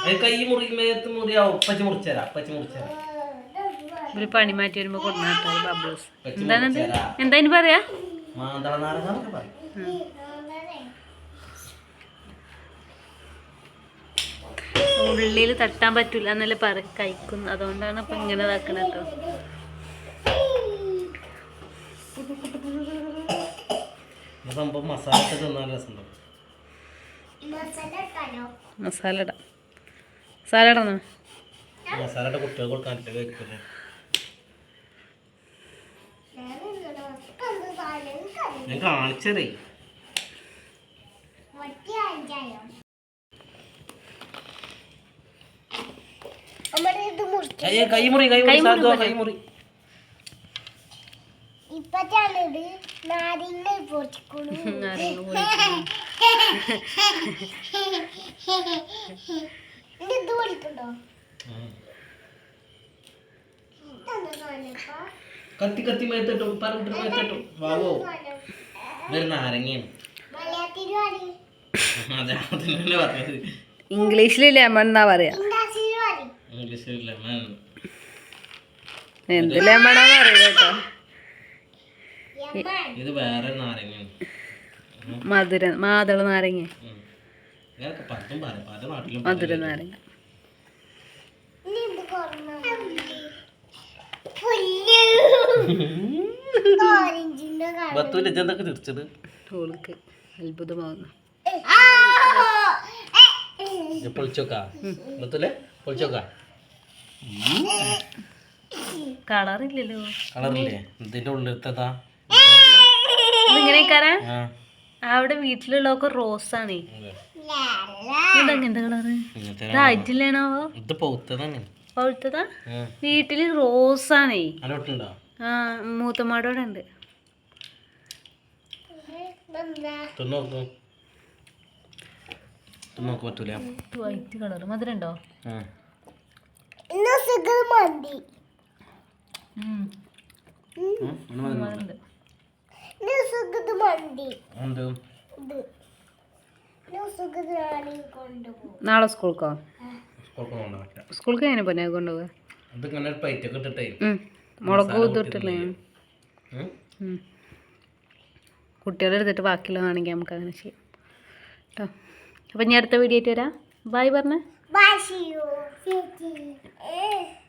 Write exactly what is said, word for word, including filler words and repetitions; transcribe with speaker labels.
Speaker 1: കൈ മുറി മേത്ത് മുറിയാ ഒപ്പച്ച് മുറിച്ചരാ ഒപ്പച്ച് മുറിച്ചരാ
Speaker 2: ഒരു പണി മാറ്റി വരുമ്പോ കൊടുന്നാട്ടോ ബബ്ലൂസ്. എന്താണത്? എന്താ ഇനി പറയാ?
Speaker 1: മാന്തള നാരങ്ങ പറയും.
Speaker 2: ഉള്ളിൽ തട്ടാൻ പറ്റൂല എന്നല്ലേ പറ കഴിക്കുന്നു. അതുകൊണ്ടാണ് ഇപ്പൊ ഇങ്ങനെ ഇതാക്കണ കേട്ടോ.
Speaker 1: സംഭവം മസാല തിന്നാൻ രസമുണ്ടോ?
Speaker 2: മസാല ഇടാം. മസാല ഇടണോ?
Speaker 1: മസാല കുട്ടികൾ കൊടുക്കാൻ കഴിക്കില്ലേ? ഞാൻ കാണിച്ചതേ കൈമുറി കൈമുറി കൈമുറി
Speaker 3: ഇപ്പറ്റാണിത് നാരങ്ങ പൊടിക്കുള്ളൂ. ഇത് പൊടിക്കണ്ടോ?
Speaker 1: കത്തി കത്തി മേത്തിട്ടു പറഞ്ഞിട്ട് മേത്തിട്ടു വാവോ ഇതൊരു നാരങ്ങയാണ്. അതെ അതിനെ പറഞ്ഞത്.
Speaker 2: ഇംഗ്ലീഷിൽ ലെമൺ എന്നാ പറയാ.
Speaker 1: ഇംഗ്ലീഷിൽ ലെമൺ.
Speaker 2: എന്ത് ലെമണാന്ന് അറിയില്ല കേട്ടോ.
Speaker 1: ഇത് വേറെ നാരങ്ങയാണ്.
Speaker 2: മധുര മാതള നാരങ്ങ.
Speaker 1: പലതും പറയാം പല നാട്ടിലും
Speaker 2: മധുര നാരങ്ങ.
Speaker 1: ബത്തൂല് എന്തൊക്കെ തിരിച്ചത്
Speaker 2: ഓൾക്ക് അത്ഭുതമാകുന്നു.
Speaker 1: പൊളിച്ചോക്കാ ബത്തൂലെ പൊളിച്ചോക്കാ.
Speaker 2: കളറില്ലല്ലോ.
Speaker 1: കളറില്ലേ? ഇതിന്റെ ഉള്ളിലത്തേതാ?
Speaker 2: ഇതിങ്ങനെ അവിടെ വീട്ടിലുള്ളതൊക്കെ റോസാണേ. ഇതെങ്ങനത്തെ കളറ്? ഇതായിട്ടില്ലേണോ?
Speaker 1: ഇത് പൗത്തതാണ്.
Speaker 2: പഴുത്തതാ? വീട്ടില് റോസാണേ. ആ മൂത്തമ്മാടോടെ ഉണ്ട്. വൈറ്റ് കളർ മധുരം ഉണ്ടോ? നാളെ സ്കൂൾക്കോ? സ്കൂൾക്ക് എങ്ങനെ പോന്നെ കൊണ്ടുപോവാ? മുളക് കൂത്തിട്ടില്ലേ? കുട്ടികളെ എടുത്തിട്ട് ബാക്കിയുള്ള ആണെങ്കിൽ നമുക്ക് അങ്ങനെ ചെയ്യാം കേട്ടോ. അപ്പം ഞാൻ അടുത്ത വീഡിയോ ആയിട്ട് വരാം. ബായ് പറഞ്ഞേ.